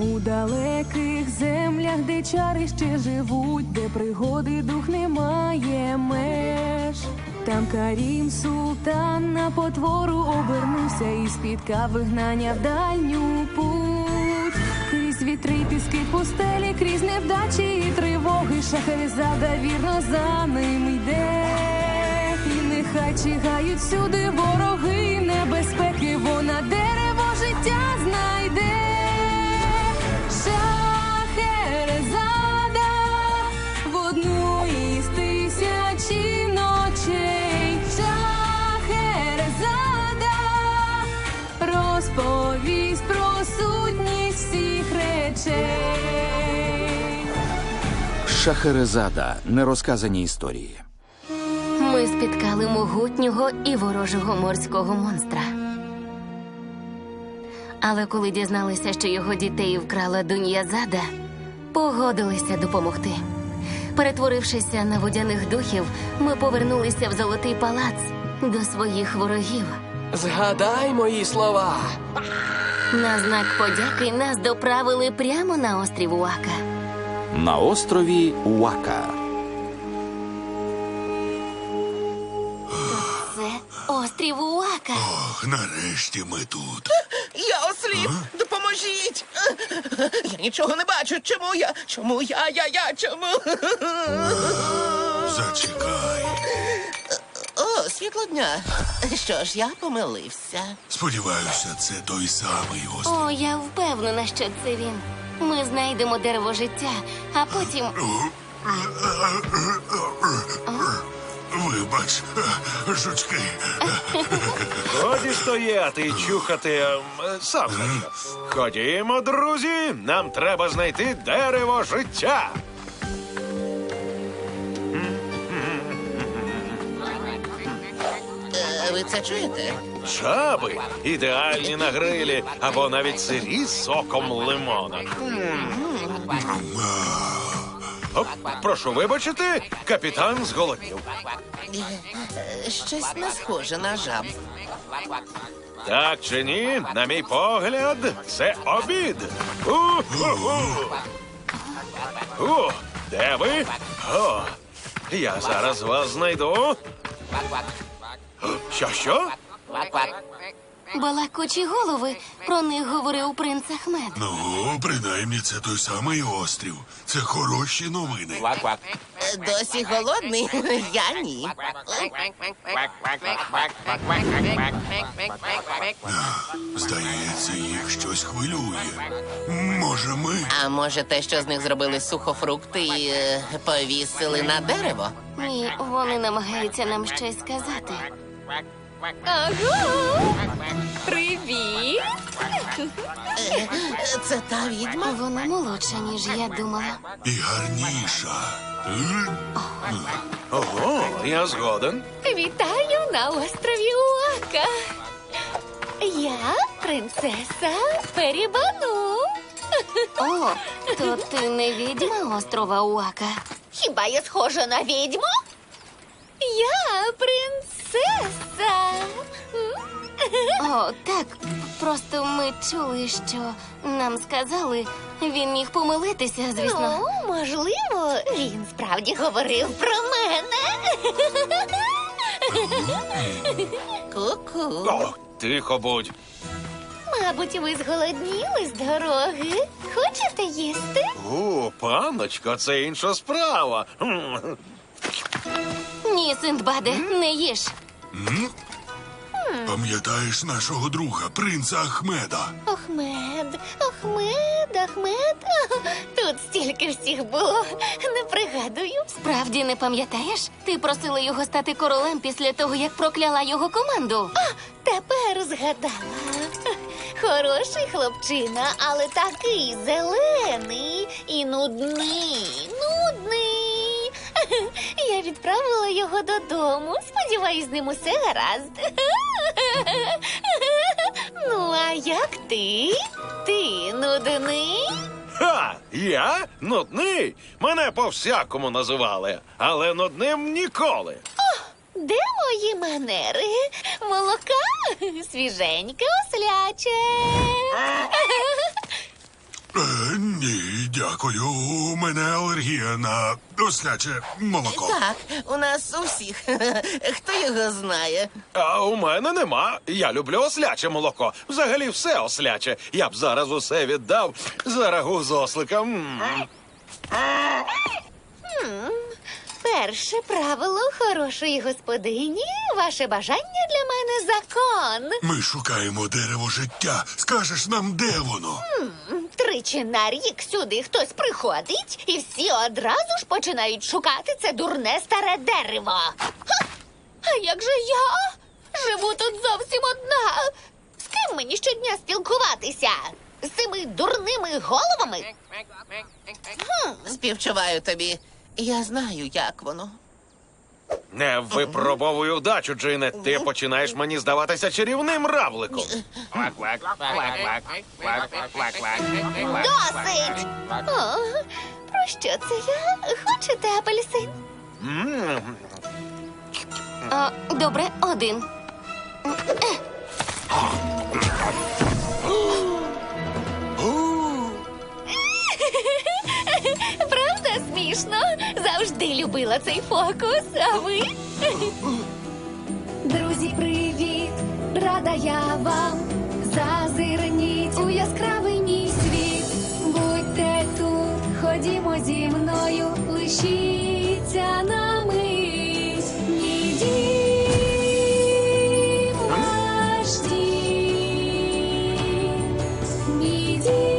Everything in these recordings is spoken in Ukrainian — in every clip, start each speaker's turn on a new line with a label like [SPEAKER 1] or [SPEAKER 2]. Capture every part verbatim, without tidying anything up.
[SPEAKER 1] У далеких землях, де чари ще живуть, де пригоди дух не має меж. Там Карім султан на потвору обернувся і спіткав вигнання в дальню путь. Крізь вітри й піски пустелі, крізь невдачі і тривоги, Шахерезада вірно за ним йде. І нехай чигають всюди вороги і небезпеки, вона дерево життя знайде. Шахерезада в одну із тисячі ночей. Шахерезада розповість про сутність всіх речей.
[SPEAKER 2] Шахерезада. Нерозказані історії.
[SPEAKER 3] Ми спіткали могутнього і ворожого морського монстра. Але коли дізналися, що його дітей вкрала Дуньязада, погодилися допомогти. Перетворившися на водяних духів, ми повернулися в Золотий палац до своїх ворогів.
[SPEAKER 4] Згадай мої слова.
[SPEAKER 3] На знак подяки нас доправили прямо на острів Уака.
[SPEAKER 2] На острові Уака.
[SPEAKER 3] Це острів Уака.
[SPEAKER 5] Ох, нарешті ми тут.
[SPEAKER 6] Я осліп! Допоможіть! Я нічого не бачу. Чому я? Чому я? Я, я, чому?
[SPEAKER 5] Зачекай.
[SPEAKER 6] О, світло дня. Що ж, я помилився.
[SPEAKER 5] Сподіваюся, це той самий острів.
[SPEAKER 3] О, я впевнена, що це він. Ми знайдемо дерево життя, а потім...
[SPEAKER 5] Вибач, жучки.
[SPEAKER 7] Годі стояти і чухати ем, сам. Ходімо, друзі, нам треба знайти дерево життя.
[SPEAKER 6] Е, ви це чуєте?
[SPEAKER 7] Жаби ідеальні на грилі або навіть сирі з соком лимона. Оп, прошу вибачити, капітан зголоднів.
[SPEAKER 6] Е, Щось не схоже на жаб.
[SPEAKER 7] Так чи ні, на мій погляд, це обід. У-ху-ху. У, де ви? О, я зараз вас знайду. Що-що?
[SPEAKER 3] Балакучі голови, про них говорив принц Ахмед.
[SPEAKER 5] Ну, принаймні, це той самий острів. Це хороші новини.
[SPEAKER 6] Е, Досі голодний? Я ні.
[SPEAKER 5] Здається, їх щось хвилює. Може, ми?
[SPEAKER 6] А може те, що з них зробили сухофрукти і е, повісили на дерево?
[SPEAKER 3] Ні, вони намагаються нам щось сказати.
[SPEAKER 1] Привіт!
[SPEAKER 6] Е, Це та відьма?
[SPEAKER 3] Вона молодша, ніж я думала.
[SPEAKER 5] І гарніша.
[SPEAKER 7] Ого, я згоден.
[SPEAKER 8] Вітаю на острові Уака. Я принцеса Перібану.
[SPEAKER 3] О, то ти не відьма острова Уака.
[SPEAKER 8] Хіба я схожа на відьму? Я принцеса.
[SPEAKER 3] О, так. Просто ми чули, що нам сказали, він міг помилитися, звісно.
[SPEAKER 8] Ну, можливо, він справді говорив про мене.
[SPEAKER 6] Ку-ку.
[SPEAKER 7] О, тихо будь.
[SPEAKER 8] Мабуть, ви зголодніли з дороги. Хочете їсти?
[SPEAKER 7] О, панночко, це інша справа. М.
[SPEAKER 3] Ні, Синдбаде, не їж.
[SPEAKER 5] Пам'ятаєш нашого друга, принца Ахмеда?
[SPEAKER 8] Ахмед, Ахмед, Ахмед. Тут стільки всіх було, не пригадую.
[SPEAKER 3] Справді не пам'ятаєш? Ти просила його стати королем після того, як прокляла його команду.
[SPEAKER 8] Тепер згадала. Хороший хлопчина, але такий зелений і нудний, нудний. Я відправила його додому. Сподіваюсь, з ним усе гаразд. Ну, а як ти? Ти нудний?
[SPEAKER 7] Ха! Я? Нудний? Мене по-всякому називали, але нудним ніколи.
[SPEAKER 8] Де мої манери? Молока? Свіженьке, осляче.
[SPEAKER 5] Е, ні, дякую. У мене алергія на осляче молоко.
[SPEAKER 6] Так, у нас у всіх. Хто його знає?
[SPEAKER 7] А у мене нема. Я люблю осляче молоко. Взагалі все осляче. Я б зараз усе віддав за рагу з осликом. М.
[SPEAKER 8] Перше правило хорошої господині. Ваше бажання для мене закон.
[SPEAKER 5] Ми шукаємо дерево життя. Скажеш нам, де воно?
[SPEAKER 8] Тричі на рік сюди хтось приходить, і всі одразу ж починають шукати це дурне старе дерево. Ха! А як же я? Живу тут зовсім одна. З ким мені щодня спілкуватися? З цими дурними головами?
[SPEAKER 6] Співчуваю тобі. Я знаю, як воно.
[SPEAKER 7] Не випробовуй удачу, Джине. Ти починаєш мені здаватися чарівним равликом.
[SPEAKER 8] Досить! О, про що це я? Хочете апельсин?
[SPEAKER 7] М.
[SPEAKER 3] А, добре, один.
[SPEAKER 8] Правда смішно? Завжди любила цей фокус, а ви?
[SPEAKER 1] Друзі, привіт! Рада я вам. Зазирніть у яскравий мій світ. Будьте тут, ходімо зі мною, лишіться на мить. Мій дім, ваш дім. Мій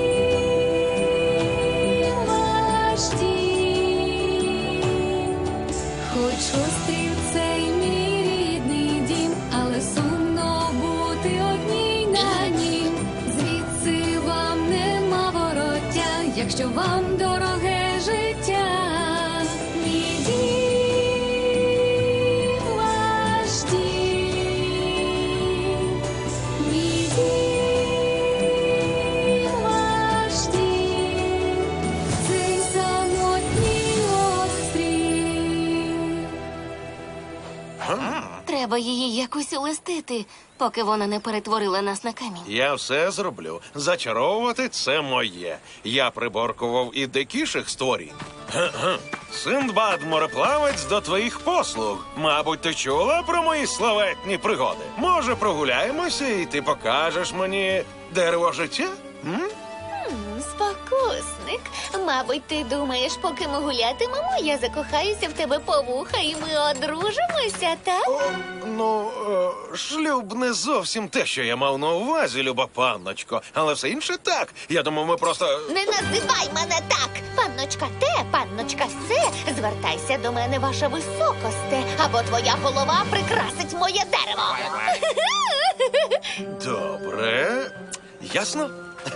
[SPEAKER 1] дім, ваш дім. Хоч острів цей мій рідний дім, але сумно бути одній на нім. Звідси вам нема вороття, якщо вам дороге життя. Мій дім, ваш дім. Мій дім, ваш дім. Цей самотній острів.
[SPEAKER 3] Треба її якось улестити, поки вона не перетворила нас на камінь.
[SPEAKER 7] Я все зроблю. Зачаровувати це моє. Я приборкував і дикіших створінь. Ге-ге. Синдбад мореплавець до твоїх послуг. Мабуть, ти чула про мої славетні пригоди. Може, прогуляємося, і ти покажеш мені дерево життя? М?
[SPEAKER 8] Спокусник. Мабуть, ти думаєш, поки ми гулятимемо, я закохаюся в тебе по вуха і ми одружимося, так?
[SPEAKER 7] О, ну, е, шлюб не зовсім те, що я мав на увазі, люба панночко. Але все інше так. Я думав, ми просто.
[SPEAKER 8] Не називай мене так! Панночка те, панночка се, звертайся до мене, ваша високосте, або твоя голова прикрасить моє дерево.
[SPEAKER 7] Добре. Ясно?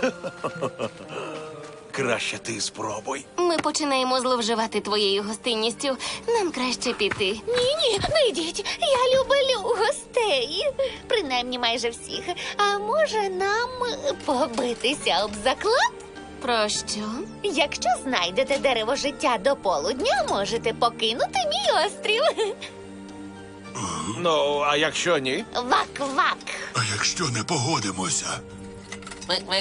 [SPEAKER 7] Краще ти спробуй.
[SPEAKER 3] Ми починаємо зловживати твоєю гостинністю. Нам краще піти.
[SPEAKER 8] Ні-ні, не йдіть, я люблю гостей. Принаймні майже всіх. А може нам побитися об заклад?
[SPEAKER 3] Про що?
[SPEAKER 8] Якщо знайдете дерево життя до полудня, можете покинути мій острів.
[SPEAKER 7] Ну, а якщо ні?
[SPEAKER 8] Вак-вак.
[SPEAKER 5] А якщо не погодимося?
[SPEAKER 6] Мик-мик.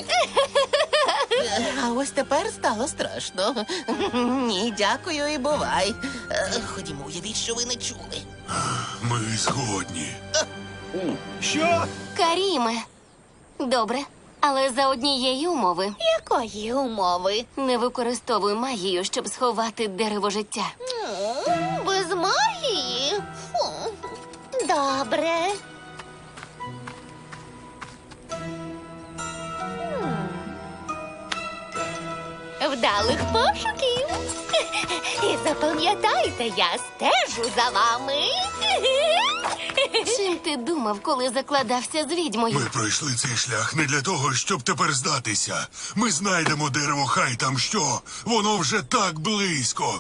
[SPEAKER 6] А ось тепер стало страшно. Ні, дякую і бувай. Е, Ходімо, уявіть, що ви не чули.
[SPEAKER 5] Ми згодні.
[SPEAKER 7] Що?
[SPEAKER 3] Каріме. Добре, але за однієї умови.
[SPEAKER 8] Якої умови?
[SPEAKER 3] Не використовуй магію, щоб сховати дерево життя.
[SPEAKER 8] М, Без магії? Фу. Добре. М. Вдалих пошуків. І запам'ятайте, я стежу за вами.
[SPEAKER 3] Чим ти думав, коли закладався з відьмою?
[SPEAKER 5] Ми пройшли цей шлях не для того, щоб тепер здатися. Ми знайдемо дерево, хай там що. Воно вже так близько.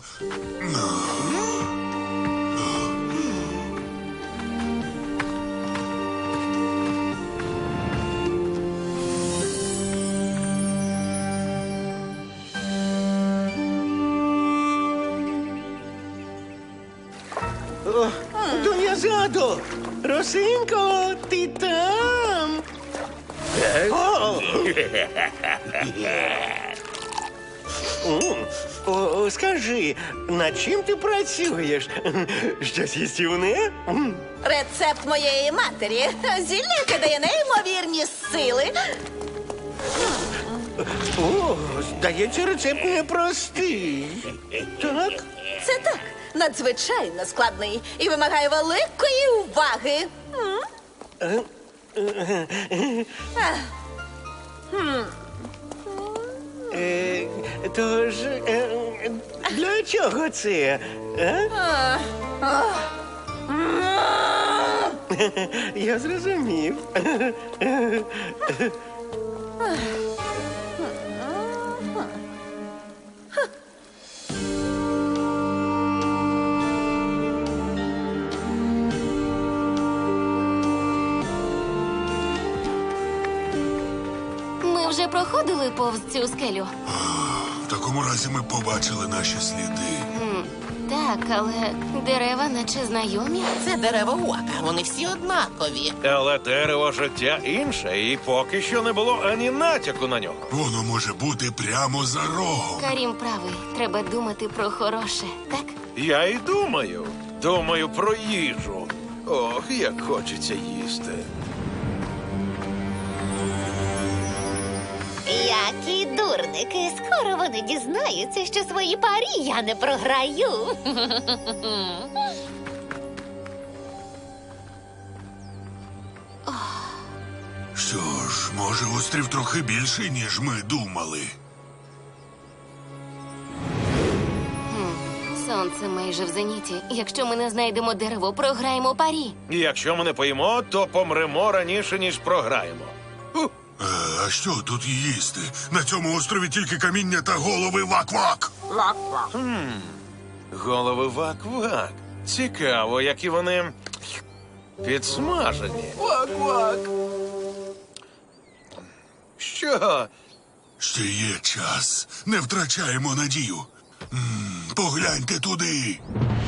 [SPEAKER 9] Дуньязадо! Росинко, ти там? О! М, О, скажи, над чим ти працюєш? Щось їстівне? М.
[SPEAKER 10] Рецепт моєї матері. Зілля, яке дає неймовірні сили.
[SPEAKER 9] О, здається, рецепт непростий. Так?
[SPEAKER 10] Це так, надзвичайно складний і вимагає великої уваги. М? Ах. Хм.
[SPEAKER 9] Е, тож, е, для чого це? А? Я зрозумів.
[SPEAKER 3] Ми вже проходили повз цю скелю.
[SPEAKER 5] В такому разі ми побачили наші сліди.
[SPEAKER 3] М, Так, але дерева наче знайомі.
[SPEAKER 6] Це дерева Уака, вони всі однакові.
[SPEAKER 7] Але дерево життя інше, і поки що не було ані натяку на нього.
[SPEAKER 5] Воно може бути прямо за рогом.
[SPEAKER 3] Карім правий. Треба думати про хороше, так?
[SPEAKER 7] Я і думаю. Думаю про їжу. Ох, як хочеться їсти.
[SPEAKER 8] Які дурники, скоро вони дізнаються, що свої парі я не програю.
[SPEAKER 5] Що ж, може, острів трохи більший, ніж ми думали.
[SPEAKER 3] Сонце майже в зеніті. Якщо ми не знайдемо дерево, програємо парі.
[SPEAKER 7] І якщо ми не поїмо, то помремо раніше, ніж програємо. Ух,
[SPEAKER 5] Е, а що тут їсти? На цьому острові тільки каміння та голови вак-вак.
[SPEAKER 7] голови вак-вак. Цікаво, які вони підсмажені. Вак-вак. Що?
[SPEAKER 5] Ще є час. Не втрачаємо надію. М, погляньте туди.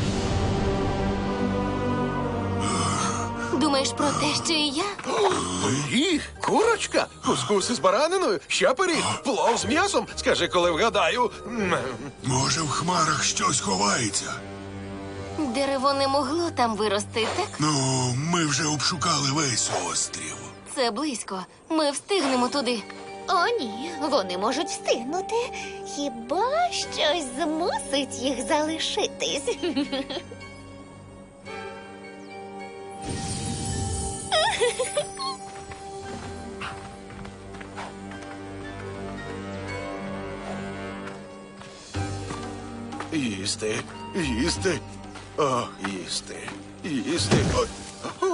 [SPEAKER 3] Думаєш про те, що і я?
[SPEAKER 7] Пиріг? Курочка? Кускус із бараниною? Ще пиріг? Плов з м'ясом? Скажи, коли вгадаю. М,
[SPEAKER 5] Може, в хмарах щось ховається?
[SPEAKER 3] Дерево не могло там вирости, так?
[SPEAKER 5] Ну, ми вже обшукали весь острів.
[SPEAKER 3] Це близько. Ми встигнемо туди.
[SPEAKER 8] О, ні, вони можуть встигнути. Хіба щось змусить їх залишитись?
[SPEAKER 7] Їсти, їсти, о, їсти, їсти. О, о.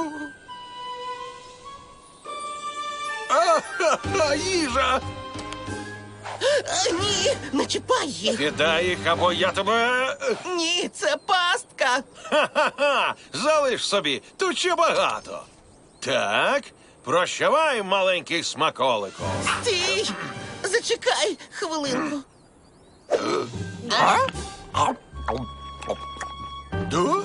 [SPEAKER 7] А-ха-ха, їжа!
[SPEAKER 6] Е, Ні, не чіпай їх.
[SPEAKER 7] Віддай їх, або я тебе.
[SPEAKER 6] Ні, це пастка.
[SPEAKER 7] Ха-ха-ха! Залиш собі, тут ще багато. Так, прощавай, маленький смаколику.
[SPEAKER 6] Стій! Зачекай хвилинку.
[SPEAKER 7] Да?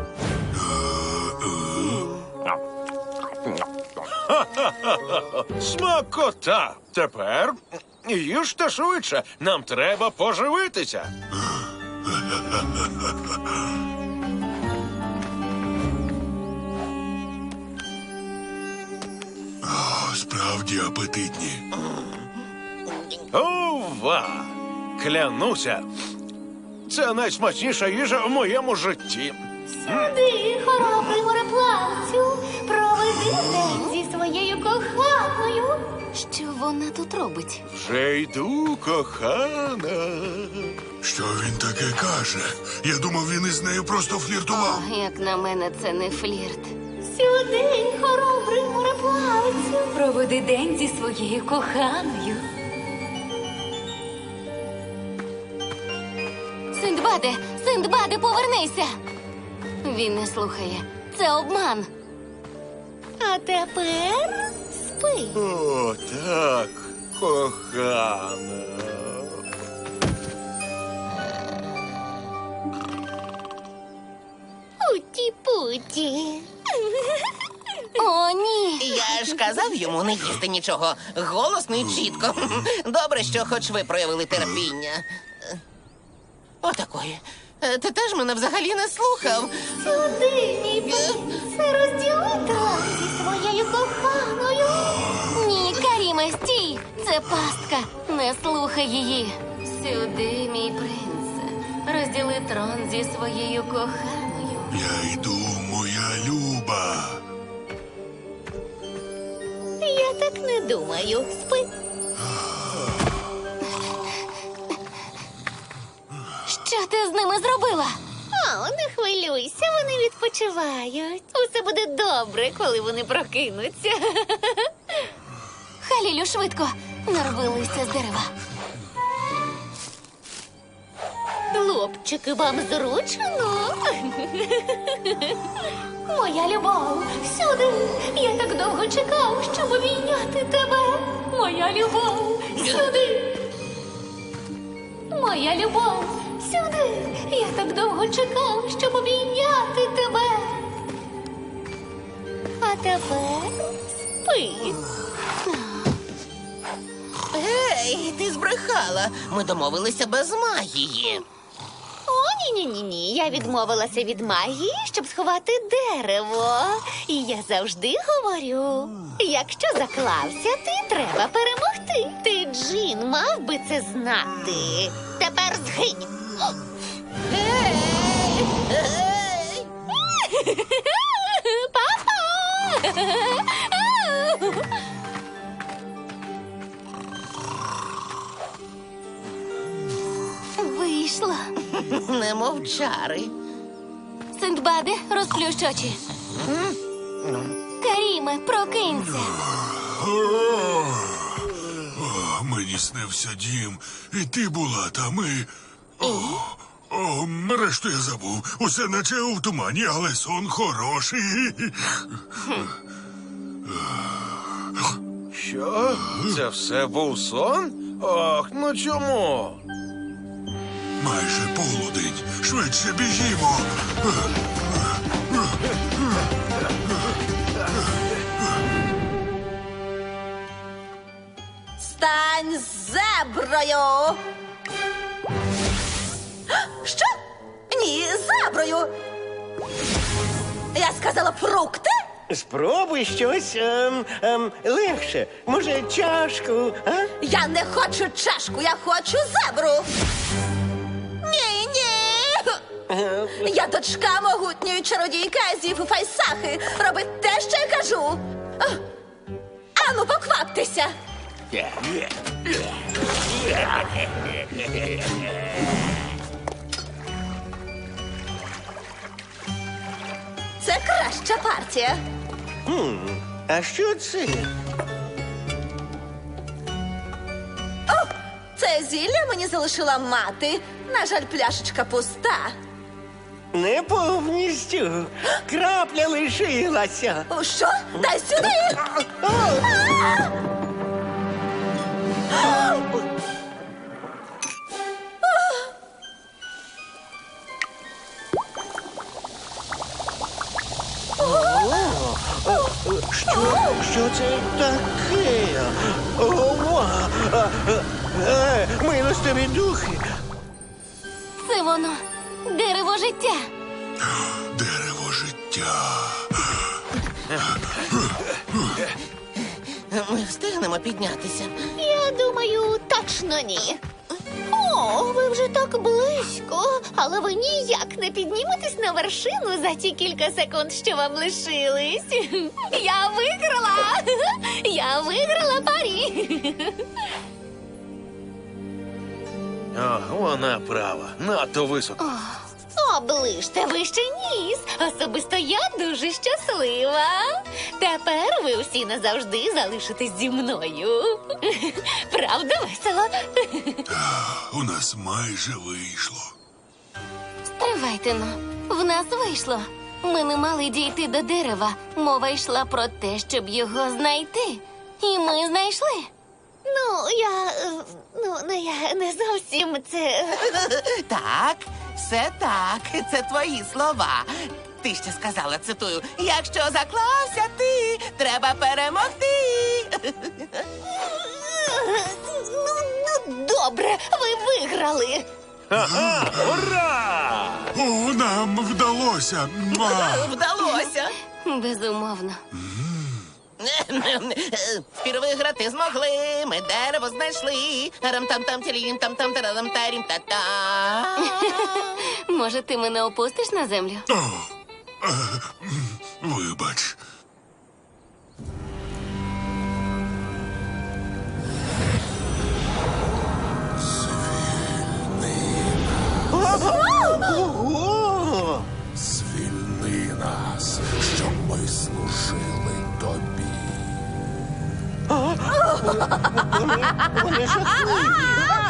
[SPEAKER 7] Ха-ха-ха-ха! Смакота! Тепер їжте швидше. Нам треба поживитися.
[SPEAKER 5] О, справді апетитні.
[SPEAKER 7] Ова! Клянуся, це найсмачніша їжа в моєму житті.
[SPEAKER 8] Сюди, хоробрий мореплавцю, проведи день зі своєю коханою.
[SPEAKER 3] Що вона тут робить?
[SPEAKER 7] Вже йду, кохана.
[SPEAKER 5] Що він таке каже? Я думав, він із нею просто фліртував.
[SPEAKER 3] Як на мене, це не флірт.
[SPEAKER 8] Сюди, хоробрий мореплавцю.
[SPEAKER 1] Проведи день зі своєю коханою.
[SPEAKER 3] Синдбаде! Синдбаде, повернися! Він не слухає. Це обман.
[SPEAKER 8] А тепер спи.
[SPEAKER 7] О, так, кохана.
[SPEAKER 8] Уті-путі.
[SPEAKER 3] О, ні!
[SPEAKER 6] Я ж казав йому не їсти нічого. Голосно і чітко. Добре, що хоч ви проявили терпіння. Отакої. Е, Ти теж мене взагалі не слухав.
[SPEAKER 8] Сюди, мій принце, розділи трон зі своєю коханою.
[SPEAKER 3] Ні, Каріме, стій! Це пастка. Не слухай її. Сюди, мій принце. Розділи трон зі своєю коханою.
[SPEAKER 5] Я йду, моя люба.
[SPEAKER 8] Я так не думаю. Спи.
[SPEAKER 3] Що ти з ними зробила?
[SPEAKER 8] О, не хвилюйся, вони відпочивають. Усе буде добре, коли вони прокинуться.
[SPEAKER 3] Халілю, швидко. Нарви листя з дерева.
[SPEAKER 8] Хлопчики, вам зручно? Моя любов, всюди. Я так довго чекав, щоб обійняти тебе. Моя любов, сюди. Моя любов, сюди. Я так довго чекав, щоб обійняти тебе. А тепер спи.
[SPEAKER 6] Гей, ти збрехала. Ми домовилися без магії.
[SPEAKER 8] О, ні-ні-ні, я відмовилася від магії, щоб сховати дерево. І я завжди говорю, якщо заклався, ти треба перемогти. Ти, Джин, мав би це знати. Тепер згинь.
[SPEAKER 6] Гей! Гей!
[SPEAKER 8] Папа!
[SPEAKER 3] Вийшло.
[SPEAKER 6] Не мовчари.
[SPEAKER 3] Синдбаде, розплющ очі. Каріме, прокинься.
[SPEAKER 5] О, мені снився дім, і ти була там, і... О, о, решту я забув. Усе наче у тумані, але сон хороший.
[SPEAKER 7] Що? Це все був сон? Ох, ну чому?
[SPEAKER 5] Майже полудень. Швидше біжімо.
[SPEAKER 10] Стань зеброю! Що? Ні, зеброю! Я сказала фрукти?
[SPEAKER 9] Спробуй щось ем, ем, легше. Може, чашку, а?
[SPEAKER 10] Я не хочу чашку, я хочу зебру! Ні, ні! Я дочка могутньої чародійки Азіфу Файсахи. Робить те, що я кажу. А, Ану, покваптеся! Це краща партія.
[SPEAKER 9] Хм, а що це?
[SPEAKER 10] О, це зілля мені залишила мати. На жаль, пляшечка пуста.
[SPEAKER 9] Не повністю. Крапля лишилася.
[SPEAKER 10] О, що? Дай сюди! А!
[SPEAKER 9] Що? Що це таке? Ова! А, е, Милостиві духи.
[SPEAKER 3] Це воно. Дерево життя.
[SPEAKER 5] Дерево життя.
[SPEAKER 6] Ми встигнемо піднятися.
[SPEAKER 8] Я думаю, точно ні. О, ви вже так близько, але ви ніяк не підніметесь на вершину за ті кілька секунд, що вам лишились. Я виграла! Я виграла парі!
[SPEAKER 7] О, вона права. Надто високо.
[SPEAKER 8] Оближте вище ніс. Особисто я дуже щаслива. Тепер ви всі назавжди залишитесь зі мною. Правда весело?
[SPEAKER 5] У нас майже вийшло.
[SPEAKER 3] Стривайте но. В нас вийшло. Ми не мали дійти до дерева. Мова йшла про те, щоб його знайти. І ми знайшли.
[SPEAKER 8] Ну, я. е, Ну, не я не зовсім це.
[SPEAKER 6] Так, все так. Це твої слова. Ти ще сказала, цитую, якщо заклався ти, треба перемогти.
[SPEAKER 8] Ну, ну, добре, ви виграли.
[SPEAKER 7] Ха-ха! Ура!
[SPEAKER 5] О, нам вдалося. Муа!
[SPEAKER 6] Вдалося.
[SPEAKER 3] Безумовно.
[SPEAKER 6] Впервые грати змогли, ми дерево знайшли. Рам-там-там, тілім там там тарам тарім та та.
[SPEAKER 3] Може, ти мене опустиш на землю?
[SPEAKER 5] О, е, м, вибач.
[SPEAKER 9] Ого!
[SPEAKER 11] Звільни нас, щоб ми служили тобі.
[SPEAKER 9] Вони, вони жахливі.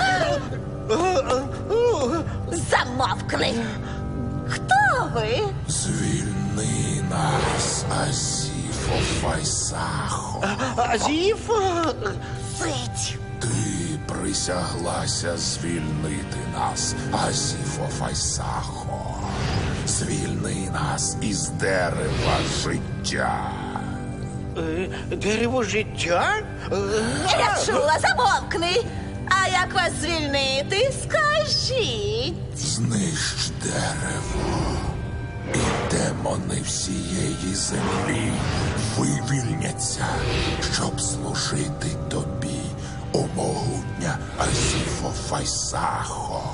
[SPEAKER 10] Замовкни! Хто ви?
[SPEAKER 11] Звільни нас, Азіфо Файсахо.
[SPEAKER 9] Азіф?
[SPEAKER 10] Цить!
[SPEAKER 11] Ти присяглася звільнити нас, Азіфо Файсахо. Звільни нас із дерева життя.
[SPEAKER 9] Е, Дерево життя? Е,
[SPEAKER 10] Я чула, замовкни! А як вас звільнити, скажіть?
[SPEAKER 11] Знищ дерево, і демони всієї землі вивільняться, щоб служити тобі, о могутня Азіфо Файсахо.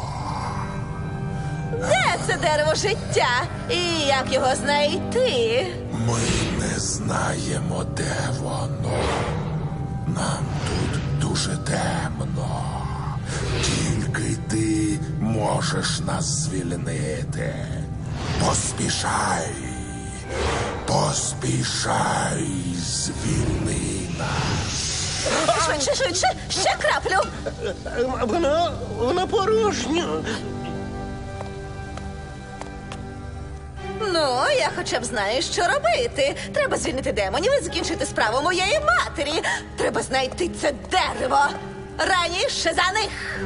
[SPEAKER 10] Де це дерево життя? І як його знайти?
[SPEAKER 11] Ми не знаємо, де воно. Нам тут дуже темно. Тільки ти можеш нас звільнити. Поспішай. Поспішай, звільни нас.
[SPEAKER 10] Швидше, швидше, ще краплю.
[SPEAKER 9] е, Вона, вона порожня.
[SPEAKER 10] Ну, я хоча б знаю, що робити. Треба звільнити демонів і закінчити справу моєї матері. Треба знайти це дерево. Раніше за них.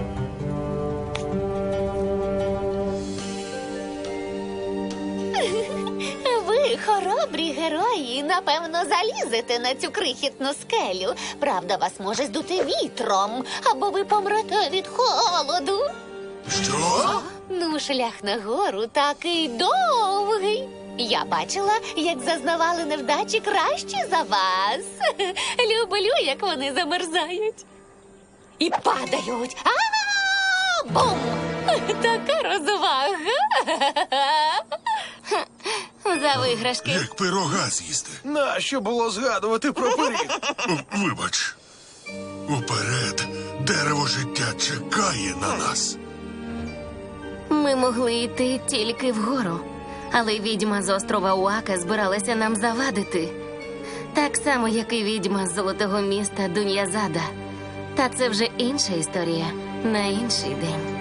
[SPEAKER 8] Ви, хоробрі герої, напевно, залізете на цю крихітну скелю. Правда, вас може здути вітром, або ви помрете від холоду.
[SPEAKER 5] Що?
[SPEAKER 8] Ну, шлях нагору такий довгий. Я бачила, як зазнавали невдачі кращі за вас. Люблю, як вони замерзають. І падають. А-а-а! Бум! Така розвага.
[SPEAKER 3] За виграшки.
[SPEAKER 5] Як пирога з'їсти.
[SPEAKER 7] Нащо було згадувати про пиріг?
[SPEAKER 5] О, вибач. Уперед, дерево життя чекає на нас.
[SPEAKER 3] Ми могли йти тільки вгору, але відьма з острова Уака збиралася нам завадити. Так само, як і відьма з золотого міста Дуньязада. Та це вже інша історія на інший день.